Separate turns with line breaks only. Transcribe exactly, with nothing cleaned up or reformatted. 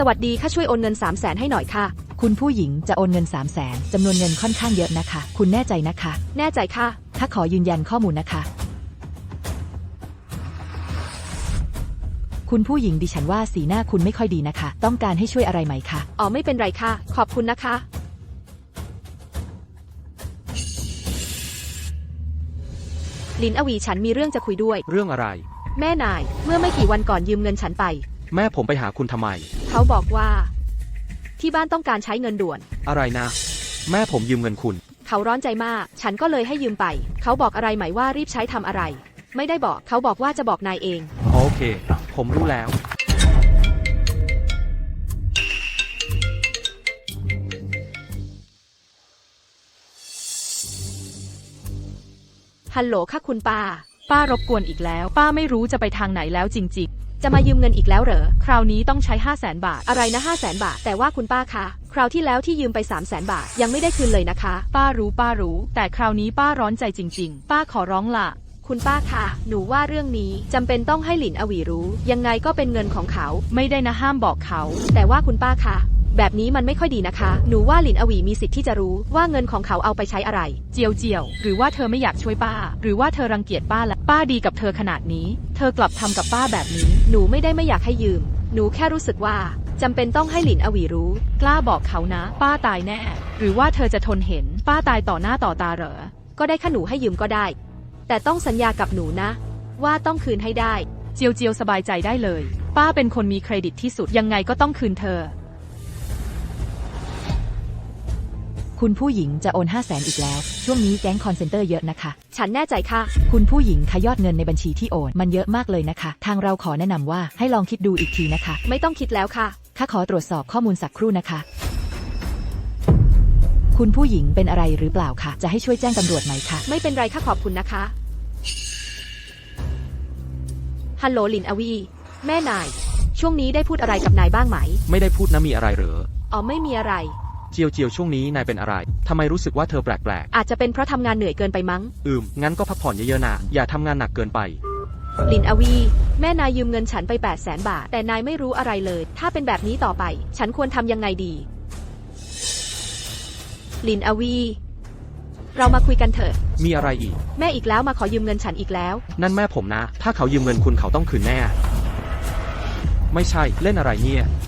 สวัสดีค่ะช่วยโอนเงินสามแสนให้หน่อยค่ะ
คุณผู้หญิงจะโอนเงินสามแสนจำนวนเงินค่อนข้างเยอะนะคะ คุณแน่ใจนะคะ
แน่ใจค่ะ
ถ้าขอยืนยันข้อมูลนะคะ คุณผู้หญิงดิฉันว่าสีหน้าคุณไม่ค่อยดีนะคะ ต้องการให้ช่วยอะไรไหมคะ
อ๋อไม่เป็นไรค่ะขอบคุณนะคะลินอวีฉันมีเรื่องจะคุยด้วย
เรื่องอะไร
แม่นายเมื่อไม่กี่วันก่อนยืมเงินฉันไป
แม่ผมไปหาคุณทำไม
เขาบอกว่าที่บ้านต้องการใช้เงินด่วน
อะไรนะแม่ผมยืมเงินคุณ
เขาร้อนใจมากฉันก็เลยให้ยืมไปเขาบอกอะไรไหมว่ารีบใช้ทำอะไรไม่ได้บอกเขาบอกว่าจะบอกนายเอง
โอเคผมรู้แล้ว
ฮัลโหลค่ะคุณป้า
ป้ารบกวนอีกแล้วป้าไม่รู้จะไปทางไหนแล้วจริง
ๆจะมายืมเงินอีกแล้วเหรอ
คราวนี้ต้องใช้ห้าแสนบาท
อะไรนะห้าแสนบาทแต่ว่าคุณป้าคะคราวที่แล้วที่ยืมไปสามแสนบาทยังไม่ได้คืนเลยนะคะ
ป้ารู้ป้ารู้แต่คราวนี้ป้าร้อนใจจริงๆป้าขอร้องล่ะ
คุณป้าคะหนูว่าเรื่องนี้จำเป็นต้องให้หลินอวีรู้ยังไงก็เป็นเงินของเขา
ไม่ได้นะห้ามบอกเขา
แต่ว่าคุณป้าคะแบบนี้มันไม่ค่อยดีนะคะหนูว่าหลินอวีมีสิทธิ์ที่จะรู้ว่าเงินของเขาเอาไปใช้อะไร
เจียวเจียวหรือว่าเธอไม่อยากช่วยป้าหรือว่าเธอรังเกียจป้าและป้าดีกับเธอขนาดนี้เธอกลับทำกับป้าแบบนี้
หนูไม่ได้ไม่อยากให้ยืมหนูแค่รู้สึกว่าจำเป็นต้องให้หลินอวีรู้
กล้าบอกเขานะป้าตายแน่หรือว่าเธอจะทนเห็นป้าตายต่อหน้าต่อตาเหรอ
ก็ได้ค่ะหนูให้ยืมก็ได้แต่ต้องสัญญากับหนูนะว่าต้องคืนให้ได้
เจียวเจียวสบายใจได้เลยป้าเป็นคนมีเครดิตที่สุดยังไงก็ต้องคืนเธอ
คุณผู้หญิงจะโอนห้าแสนอีกแล้วช่วงนี้แก๊งคอนเซนเตอร์เยอะนะคะ
ฉันแน่ใจค่ะ
คุณผู้หญิงคะยอดเงินในบัญชีที่โอนมันเยอะมากเลยนะคะทางเราขอแนะนำว่าให้ลองคิดดูอีกทีนะคะ
ไม่ต้องคิดแล้วค่ะ
ข้าขอตรวจสอบข้อมูลสักครู่นะคะคุณผู้หญิงเป็นอะไรหรือเปล่าคะจะให้ช่วยแจ้งตำรวจไหมคะ
ไม่เป็นไรค่ะขอบคุณนะคะฮัลโหลหลินอวีแม่นายช่วงนี้ได้พูดอะไรกับนายบ้างไหม
ไม่ได้พูดนะมีอะไรเหรอ
อ๋อไม่มีอะไร
เจียวเจียวช่วงนี้นายเป็นอะไรทำไมรู้สึกว่าเธอแปลก
ๆอาจจะเป็นเพราะทำงานเหนื่อยเกินไปมั้ง
อืมงั้นก็พักผ่อนเยอะๆนะอย่าทำงานหนักเกินไป
ลินอวีแม่นายยืมเงินฉันไปแปดแสนบาทแต่นายไม่รู้อะไรเลยถ้าเป็นแบบนี้ต่อไปฉันควรทำยังไงดีลินอวีเรามาคุยกันเถอะ
มีอะไรอีก
แม่อีกแล้วมาขอยืมเงินฉันอีกแล้ว
นั่นแม่ผมนะถ้าเขายืมเงินคุณเขาต้องคืนแน่ไม่ใช่เล่นอะไรเนี่ย